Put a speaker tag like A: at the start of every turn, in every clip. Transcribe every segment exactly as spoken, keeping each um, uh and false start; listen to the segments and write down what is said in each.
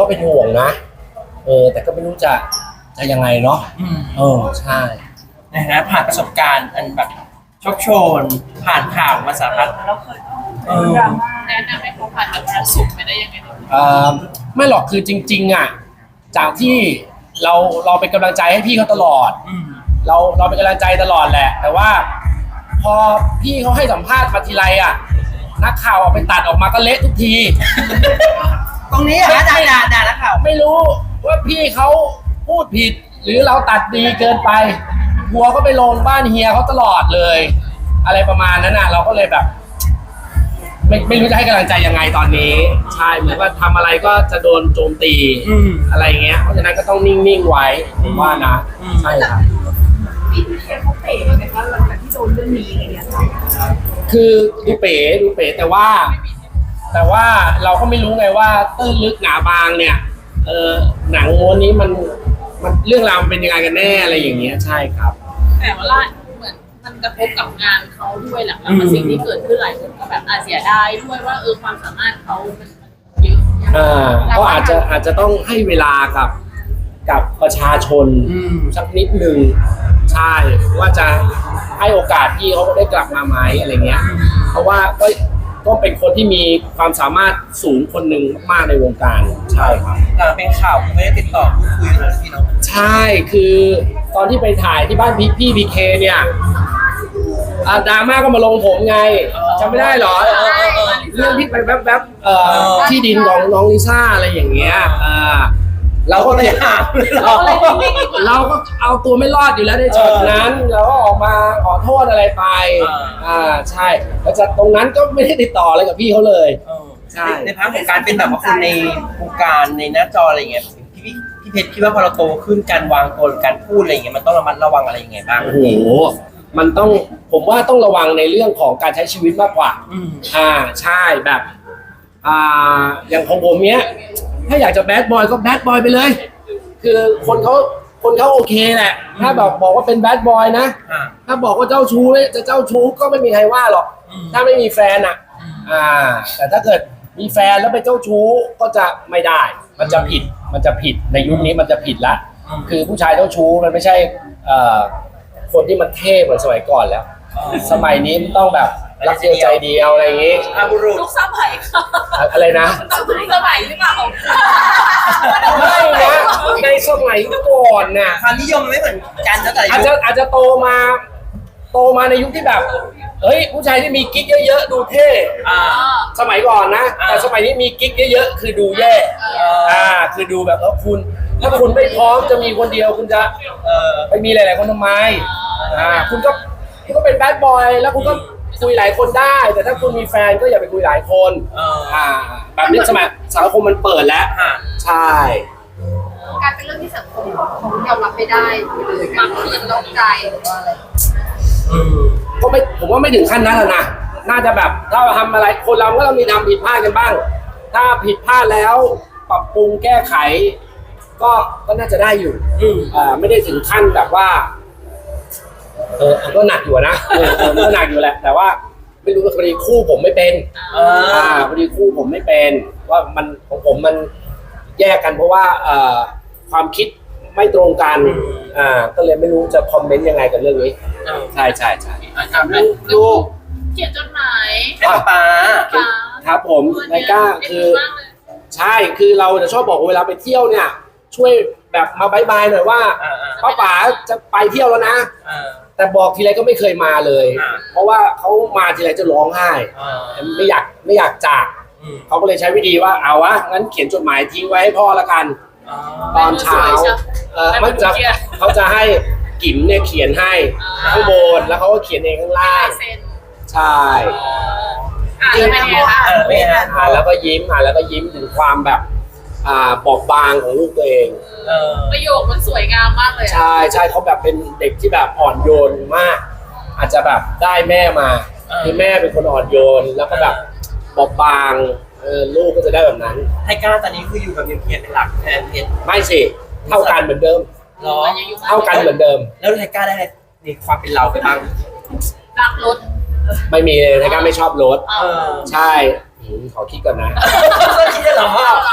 A: เป็นห่วงนะเออแต่ก็ไม่รู้จะจะยังไงเนาะเออใช่
B: นะฮะผ่านประสบการณ์อันแบบโชคโชนผ่านข่าวมาสารพัด
C: เราเคยต้องดราม่าแนะนำให้เขาผ่านกับความสุขไปได้ยังไง
A: เออไม่หรอกคือจริงๆอ่ะจากที่เราเราเป็นกำลังใจให้พี่เขาตลอดเราเราเป็นกำลังใจตลอดแหละแต่ว่าพอพี่เขาให้สัมภาษณ์มาทีไรอ่ะนักข่าวเอาไปตัดออกมาก็เละทุกที
B: ตรงนี้อะด่าด่าด่านักข่าว
A: ไม่รู้ว่าพี่เขาพูดผิดหรือเราตัดดีเกินไปหัวก็ไปลงบ้านเฮียเขาตลอดเลยอะไรประมาณนั้นน่ะเราก็เลยแบบไม่ไม่รู้จะให้กำลังใจยังไงตอนนี้ใช่เหมือนว่าทำอะไรก็จะโดนโจมตีอะไรเงี้ยเพราะฉะนั้นก็ต้องนิ่งๆไว้ผมว่านะใช่ครับ
C: พี่เฮียเขาเป๋ไหมคะหลังจากที่โดนเรื่องนี้อะไรเงี้ย
A: คือดูเป๋ดูเป๋แต่ว่าแต่ว่าเราก็ไม่รู้ไงว่าตื้นลึกหนาบางเนี่ยเออหนังม้วนนี้มันมันเรื่องราวมันเป็นยังไงกันแน่อะไรอย่างเงี้ยใช่ครับ
C: แต่ว่าเหมือนมันกระทบกับงานเขาด้วยแหละแล้วสิ่งที่เกิดขึ้นหลายคนก็แบบอาจเสียดายด้วยว่าเออความสามารถเขามันเยอะ
A: อ่าก็อาจจะอาจจะต้องให้เวลากับกับประชาชนสักนิดหนึ่งใช่ว่าจะให้โอกาสที่เขาได้กลับมาไหมอะไรเงี้ยเพราะว่าก็ก็เป็นคนที่มีความสามารถสูงคนหนึ่งมากในวงการใช่ครับ
B: หลังเป็นข่าวไม่ได้ติดต่อพูดคุยเลยพี่น้อง
A: ใช่คือตอนที่ไปถ่ายที่บ้านพี่พี่บีเคเนี่ยดราม่าก็มาลงผมไงจำไม่ได้หรอเรื่องที่ไปแวบๆที่ดินของน้องลิซ่าอะไรอย่างเงี้ยเราก็เลยเราเราก็เอาตัวไม่รอดอยู่แล้วในช็อตนั้นเราก็ออกมาขอโทษอะไรไปอ่าใช่แล้วจากตรงนั้นก็ไม่ได้ติดต่ออะไรกับพี่เขาเลย
B: ใช่ในภาพของการเป็นแบบว่าคนในวงการในหน้าจออะไรเงี้ยพี่พี่เพชรคิดว่าพอเราโตขึ้นการวางตัวการพูดอะไรเงี้ยมันต้องระมัดระวังอะไรยังไงบ้าง
A: โอ้โหมันต้องผมว่าต้องระวังในเรื่องของการใช้ชีวิตมากกว่าอ่าใช่แบบอ่าอย่างของผมเนี้ยถ้าอยากจะแบดบอยก็แบดบอยไปเลยคือคนเขาคนเขาโอเคแหละถ้าแบบบอกว่าเป็นแบดบอยนะถ้าบอกว่าเจ้าชู้จะเจ้าชู้ก็ไม่มีใครว่าหรอกถ้าไม่มีแฟนอ่ะอ่าแต่ถ้าเกิดมีแฟนแล้วไปเจ้าชู้ก็จะไม่ได้มันจะผิดมันจะผิดในยุคนี้มันจะผิดละคือผู้ชายเจ้าชู้มันไม่ใช่เอ่อคนที่มันเท่เหมือนสมัยก่อนแล้วสมัยนี้มันต้องแบบรักเดียวใจเดียวอะไรอย่างงี้
C: ทุกสมัยค่ะ
A: อะไรนะ
C: ทุกสมัยหรือเปล่า
A: ไม่นะในสมัยก่อนน่ะ
B: ความนิยมไม่เหมือนกันนะแต่
A: อาจจะอาจจะโตมาโตมาในยุคที่แบบเฮ้ยผู้ชายที่มีกิ๊กเยอะๆดูเท่สมัยก่อนนะแต่สมัยนี้มีกิ๊กเยอะๆคือดูแย่อ่าคือดูแบบเออคุณถ้าคุณไม่พร้อมจะมีคนเดียวคุณจะไปมีหลายๆคนทำไมอ่าคุณก็คุณก็เป็นแบดบอยแล้วคุณก็คุยหลายคนได้แต่ถ้าคุณมีแฟนก็อย่าไปคุยหลายคนอ่าแบบนี้สมัยสังคมมันเปิดแล้วใช่
C: การเป็นเรื่องที่สังคมเขายอมรับไม่ได้เลยบางคนตกใจหรือว่าอะไร
A: ก็ไม่ผมว่าไม่ถึงขั้นนั้นหรอกนะน่าจะแบบถ้าเราทำอะไรคนเราก็ต้องมีทำผิดพลาดกันบ้างถ้าผิดพลาดแล้วปรับปรุงแก้ไขก็ก็น่าจะได้อยู่อ่าไม่ได้ถึงขั้นแบบว่าเออก็หนักอยู่นะเออก็หนักอยู่แหละแต่ว่าไม่รู้ว่าพอดีคู่ผมไม่เป็นอ่าพอดีคู่ผมไม่เป็นว่ามันของผมมันแยกกันเพราะว่าเอ่อความคิดไม่ตรงกันอ่าก็เลยไม่รู้จะคอมเมนต์ยังไงกับเรื่องนี้ใช่ใช่ใช่
C: ลูกเขียนจดหมาย
B: ให้ป๊า
A: ครับผมไนก้าคือใช่คือเราจะชอบบอกเวลาไปเที่ยวเนี่ยช่วยแบบมาบายบายหน่อยว่าป้าป๋าจะไปเที่ยวแล้วนะแต่บอกทีไรก็ไม่เคยมาเลยเพราะว่าเขามาทีไรจะร้องไห้ไม่อยากไม่อยากจากเขาก็เลยใช้วิธีว่าเอาวะงั้นเขียนจดหมายทิ้งไว้ให้พ่อละกันตอนเช้าเออมันจะเขาจะให้กิ๋มเนี่ยเขียนให้ข้างบนแล้วเขาก็เขียนเองข้างล่างใช่
C: อ่านแล้วเป็นไงคะ
A: อ่านแล้วก็ยิ้มอ่านแล้วก็ยิ้มถึงความแบบอ่าบอบบางของลูกตัวเอง
C: ประโยคมันสวยงามมากเลย
A: ใช่ใช่เขาแบบเป็นเด็กที่แบบอ่อนโยนมากอาจจะแบบได้แม่มาคือแม่เป็นคนอ่อนโยนแล้วก็แบบบอบบางเออลูกก็จะได้แบบนั้น
B: ไทก้าตอนนี้คืออยู่กับเพียรเป็นหลักแทนเพชร
A: ไม่สิเท่ากันเหมือนเดิม
B: หรอ
A: เท่ากันเหมือนเดิม
B: แล้วไทก้าได้ในความเป็นเราไปบ้าง
C: รักรถ
A: ไม่มีเลยไทก้าไม่ชอบรถใช่ขอคิดก่อนนะ
B: คิดได้หรอว่า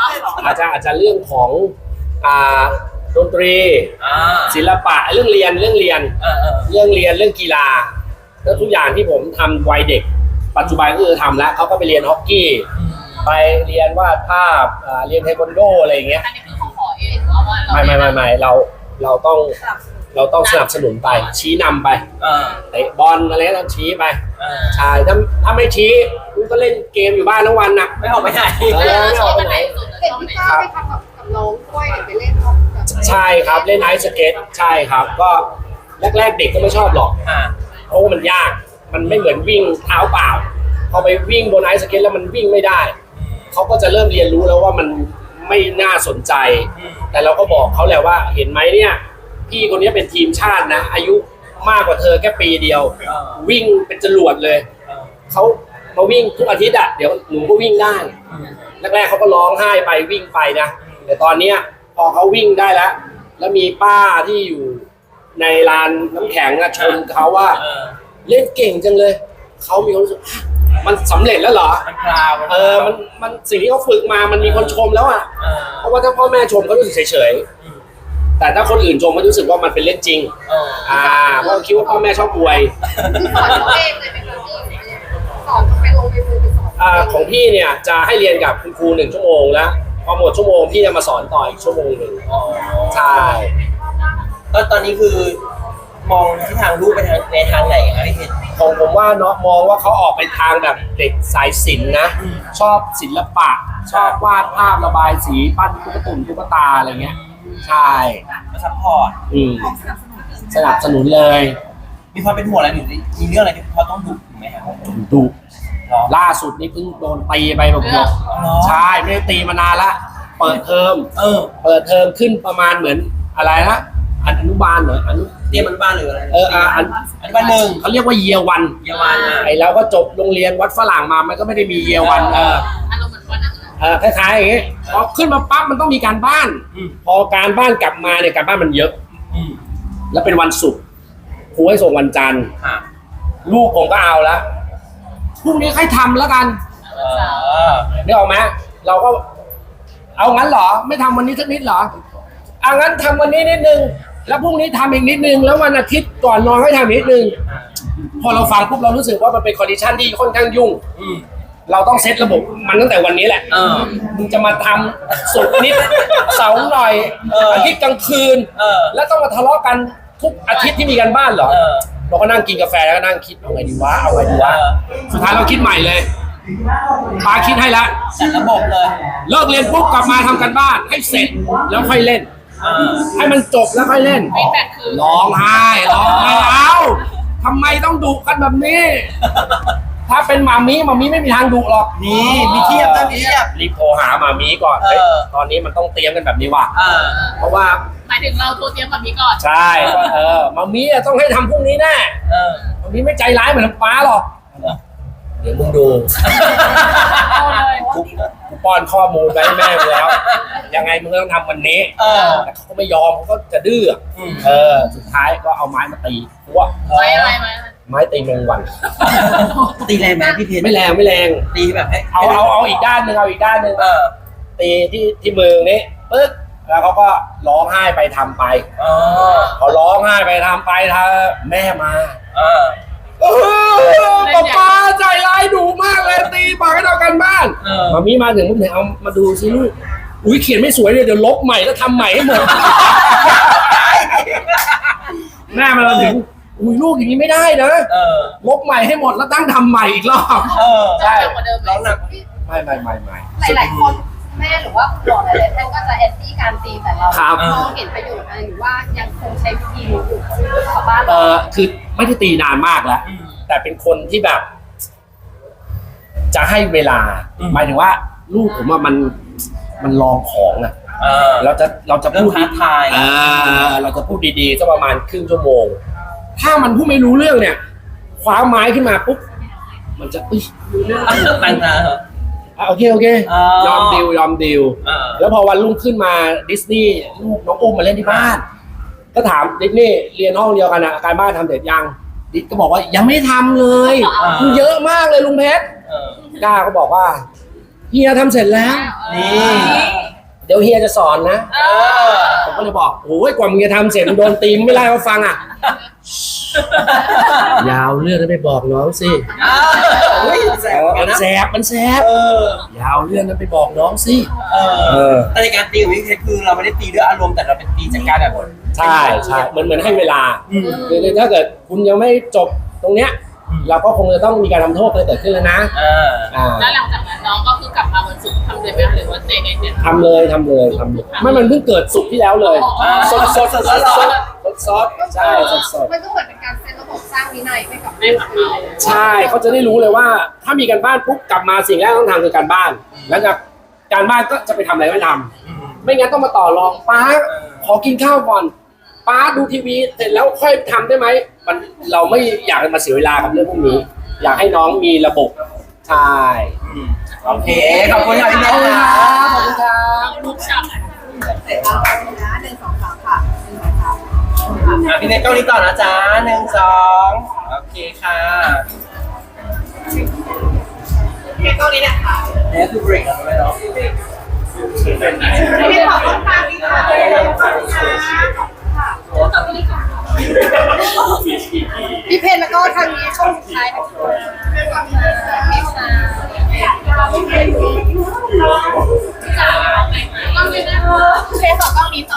A: อาจจะอาจจะเรื่องของอ่าดนตรี
B: อ่า
A: ศิลปะเรื่องเรียนเรื่องเรียน
B: เออเออ
A: เรื่องเรียนเรื่องกีฬาแล้วทุกอย่างที่ผมทำวัยเด็ก ปัจจุบันก็คือทำแล้วเขาก็ไปเรียนฮอกกี้ ไปเรียนวาดภาพอ่าเรียนเทควันโดอะไรอย่างเงี้ย
C: อันนี้คือเขาขอเองว่าว่าเรา
A: ไม่ไม่ไม่ไม่เราเราต้องเราต้องสนับสนุนไป ชี้นำไป
B: เออ
A: เตะบอลอะไรก็ชี้ไป
B: เออ
A: ใช่ถ้าถ้าไม่ชี้คุณก็เล่นเกมอยู่บ้านทั้งวันนะ
B: ไม่ออกไปไหน
A: เออไม่
C: ช
A: อ
C: อ
A: อบ กไป
C: อัน
A: ไห
C: ไห
A: น
C: นสุด
D: เห็น
C: ชอบอัน
D: พี่
C: ไหน
D: ก้าวไปทำกับกับน้องด้วยไปเล่นแบบ
A: ใช่ครับเล่นไอซ์สเก็ตใช่ครับก็แรกๆเด็กก็ไม่ชอบหรอก
B: อ่า
A: เพราะว่ามันยากมันไม่เหมือนวิ่งเท้าเปล่าพอไปวิ่งบนไอซ์สเก็ตแล้วมันวิ่งไม่ได้เขาก็จะเริ่มเรียนรู้แล้วว่ามันไม่น่าสนใจ แต่เราก็บอกเขาแหละว่าเห็นไหมเนี่ยพี่คนนี้เป็นทีมชาตินะ อายุมากกว่าเธอแค่ปีเดียว วิ่งเป็นจรวดเลย
B: เออ
A: เขามาวิ่งทุกอาทิตย์อ่ะเดี๋ยวหนูก็วิ่งได้แรกๆเขาก็ร้องไห้ไปวิ่งไปนะแต่ตอนเนี้ยพอเขาวิ่งได้แล้ว แล้วมีป้าที่อยู่ในลานน้ำแข็งอะชมเขาว่า
B: เออ
A: เล่นเก่งจังเลยเขามีความรู้สึกมันสำเร็จแล้วเหรอ
B: มันพราว
A: เออมันมันสิ่งที่เขาฝึกมามันมีคนชมแล้วอ่ะ
B: เออ
A: เพราะว่าถ้าพ่อแม่ชมเขารู้สึกเฉยๆแต่ถ้าคนอื่นชมเขารู้สึกว่ามันเป็นเรื่องจริง
B: เออ
A: อ่าเพราะคิดว่าพ่อแม่ชอบอวย
D: คือสอนเขาเองเลยไหมคะพี่สอนเขาไปลงไปมือไปสอน
A: อ่าของพี่เนี่ยจะให้เรียนกับคุณครูหนึ่งชั่วโมงแล้วพอหมดชั่วโมงพี่จะมาสอนต่ออีกชั่วโมงหนึ่ง
B: อ๋อ
A: ใช่
B: ก็ตอนนี้คือมองที่ทางลูกไปทางในทางไหนครับพี่เพชร
A: ของผมว่าเนาะมองว่าเขาออกไปทางแบบเด็กสายศิลป์นะ
B: อืม
A: ชอบศิลปะ ชอบวาดภาพระบายสีปั้นตุ๊กตุ่นตุ๊กตาอะไรเงี้ยใช่
B: มาซัพพอร์ต
A: อืมสนับสนุนเลย
B: มีความเป็นห่วงอะไรหรือมีเรื่องอะไรที่เขาต้องดุไหมครับ
A: ดุ
B: หรอ
A: ล่าสุดนี่เพิ่งโดนตีไปแบบหยก
B: อ๋อ
A: ใช่ไม่ได้ตีมานานละเปิดเทอม
B: เออ
A: เปิดเทอมขึ้นประมาณเหมือนอะไรนะอนุบาลเหรออนุ
B: เตรียมมันบ้านหรืออะไร
A: เอออ่ะอัน
B: อันบ้านหนึ่ง
A: เขาเรียกว่าเยียวัน
B: เยาวานอ่ะ
A: ไอเราก็จบโรงเรียนวัดฝรั่งมามันก็ไม่ได้มีเยียวันเออ
C: อารมณ์เหมือนวันนั้นเลย
A: เออคล้ายๆอย่างงี้พอขึ้นมาปั๊บมันต้องมีการบ้าน
B: อืม
A: พอการบ้านกลับมาเนี่ยการบ้านมันเยอะ
B: อืม
A: แล้วเป็นวันศุกร์ครูให้ส่งวันจันทร์
B: อ่ะ
A: ลูกผมก็เอาแล้วพรุ่งนี้ใครทำแล้วกัน
B: เออ
A: นึกออกไหมเราก็ เอางั้นเหรอ ไม่ทำวันนี้สักนิดเหรอเอางั้นทำวันนี้นิดนึง แล้วพรุ่งนี้ทำอีกนิดนึง แล้ววันอาทิตย์ก่อนนอนให้ทำอีกนิดนึง พอเราฟังปุ๊บเรารู้สึกว่ามันเป็นคอนดิชันที่ค่อนข้างยุ่ง
B: อืม
A: เราต้องเซตระบบมันตั้งแต่วันนี้แหละ
B: เออ
A: มึงจะมาทำสุกร์นิด เสาร์หน่อย
B: เอออ
A: อาทิตย์กลางคืน
B: เออ
A: แล้วต้องมาทะเลาะกันทุกอาทิตย์ที่มีกันบ้านเหรอ
B: เออ
A: เราก็นั่งกินกาแฟแล้วก็นั่งคิดเอาไงดีวะเอาไงดีวะ
B: เออ
A: สุดท้ายเราคิดใหม่เลยปาคิดให้ละ
B: จัดระบบเลย
A: เลิกเรียนปุ๊บกลับมาทำกันบ้านให้เสร็จแล้วค่อยเล่น
B: เออ
A: ให้มันจบแล้วค่อยเล่น
C: ฟีดแบ็กคือ
A: ร้องไห้ร้องไห้เอาทำไมต้องดุกันแบบนี้ ถ้าเป็นหมามีหมามีไม่มีทางดุหรอก
B: นี่มีเทียบนะมีเทียบ
A: รีบโทรหาหมามีก่อน
B: เออ
A: เฮ้ยตอนนี้มันต้องเตรียมกันแบบนี้ว่ะ
B: เออ
A: เพราะว่า
C: หมายถึงเราโทรเตรียมแบบนี้ก่อน
A: ใช่ว่าเออหมามีอะต้องให้ทำพรุ่งนี้แน่
B: เออ
A: หมามีไม่ใจร้ายเหมือนป้าหรอกเดี๋ยวมึงดู
C: เอาเลย
A: กูกูป้อนข้อมูลไปให้แม่มึงแล้ว ยังไงมึงก็ต้องทำวันนี้
B: เออ
A: แต่เขาก็ไม่ยอมเขาก็จะดื้อ
B: อืม
A: เออ สุดท้ายก็เอาไม้มาตีพวก
C: ไม่อะไรไม่อะไร
A: ไม้ตีแมงวัน
B: ตีแรงไหมพี่เพชร
A: ไม่แรงไม่แรง
B: ตีแบบให้
A: เอาเอาเอาอีกด้านหนึ่งเอาอีกด้านหนึ่ง
B: เออ
A: ตีที่ที่มือนี้ปึ๊กแล้วเขาก็ร้องไห้ไปทำไป
B: อ๋อ
A: พอร้องไห้ไปทำไปทำแม่มา
B: เออ
A: เออป๊าป๊าใจร้ายดุมากเลยตีปากให้เรากันบ้าน
B: เออ
A: มามีมาถึงปุ๊บเนี่ยเอามาดูสิลูกอุ้ยเขียนไม่สวยเลยเดี๋ยวลบใหม่แล้วทำใหม่ให้หมด แม่มาถึงอุ้ยลูกอย่างนี้ไม่ได้นะ
B: เออ
A: ลบใหม่ให้หมดแล้วตั้งทำใหม่อีกรอบ
B: เออ
A: ใช่
C: เร็วกว่าเดิม
B: ร้องหนัก
A: ไม่ไม่ไม่ไม่
D: หลายๆคนแม่หรือว่าคุณหมอหลายๆท่านก็จะแอนตี้การตีแต่เรา
A: ครับ
D: เราเห็นประโยชน์อะไรหรือว่ายังคงใช้วิธีนี้อยู่กับบ้าน
A: เอ
D: เรา
A: อคือไม่ได้ตีนานมากแล้ว
B: อืม
A: แต่เป็นคนที่แบบ จะให้เวลา
B: อืม
A: หมายถึงว่า ลูกผมว่ามันมันลองของอะ
B: เออ
A: เราจะเราจะ
B: เริ่
A: พู
B: ม
A: ด
B: ท้าทาย
A: เออเราจะพูดดีๆสักประมาณครึ่งชั่วโมง ถ้ามันพูดไม่รู้เรื่องเนี่ยคว้าไม้ขึ้นมาปุ๊บมันจะอุ๊ย
B: ตั้งนะ
A: อ่ะโอเคโอเค
B: อ๋อย
A: อมดิวยอมดิว
B: เออ
A: แล้วพอวันรุ่งขึ้นมาดิสนีย์ลูกน้องอุ้มมาเล่นที่บ้าน ก็ถามดิสนีย์เรียนห้องเดียวกันอะการบ้านทำเสร็จยังดิสก็บอกว่ายังไม่ทำเลยมันเยอะมากเลยลุงเพชร
B: เออ
A: ก้าก็บอกว่าเฮียทำเสร็จแล้ว
B: นี่
A: เดี๋ยวเฮียจะสอนนะ
C: เออ
A: ผมก็เลยบอกโอ้ยกว่ามึงจะทำเสร็จมึงโดนตีมไม่ไล่เขาฟังอ่ะ ยาวเรื่องนั้นไปบอกน้องสิ
B: อ้าวเฮ้ยแสบเหมือนกัน
A: มัน
B: นะ
A: แสบมันแสบ
B: เออย
A: าวเรื่องนั้นไปบอกน้องสิ
B: เอ
A: เอ
B: อ
A: อ
B: แต่ในการตีของพี่เพชรคือเราไม่ได้ตีด้วยอารมณ์แต่เราเป็นตีจากการแบบ
A: ใช่ใช่เหมือนเหมือนให้เวลา
B: อืม
A: คือถ้าเกิดคุณยังไม่จบตรงเนี้ย เราก็คงจะต้องมีการทำโทษอะไรเกิดขึ้นแล้วนะ
B: อ่า
A: อ่า
C: แล้วหลังจากนั้นน้องก็คือกลับมาวันศุกร์ทำเลยไหมหรือว่าในในเนี่ย
A: ทำเลยทำเลยทำเลยไม่มันเพิ่งเกิดสุกร์ที่แล้วเลย
C: อ๋อ
A: สดสดสดสดสดสดสดใช่สดสด
D: มันก็เหมือนเป็นการเซตระบบสร้างวินัยให้กับ
C: ไม่กลับมาเลย
A: ใช่เขาจะได้รู้เลยว่า ถ้ามีการบ้านปุ๊บกลับมาสิ่งแรกต้องทำคือการบ้าน แล้วจากการบ้านก็จะไปทำอะไรไม่ทำไม่งั้นต้องมาต่อรองป้าขอกินข้าวก่อนป้าดูทีวีเสร็จแล้วค่อยทำได้ไหมมันเราไม่อยากมาเสียเวลากับเรื่องพวกนี้ อยากให้น้องมีระบบใช่
B: อืมโอเค ขอบคุณค่ะพี่
A: ข
B: เพ
A: อบ
B: ช
A: คุณ
B: ร
A: ค
B: ค
A: รั
B: รั
A: บบ ขอบคุณครับ
C: ลูกช้ำ
D: เสร็จแล้วนะหนึ่งสองสามค่ะหนึ่งสองสาม
B: อ่ะพี่เพชรกล้องนี้ต่อนะจ๊ะหนึ่งสองโอเคค่ะ
D: เก็บตรงนี้นะคะ
B: นี่คือเบรกแล้วไหมเนาะ
D: ไม่ขอบคุณค่ะพี่ค่ะขอบคุณค่ะพี่เพนแล้วก็ทางนี้ช่วงสุดท้ายนะคะ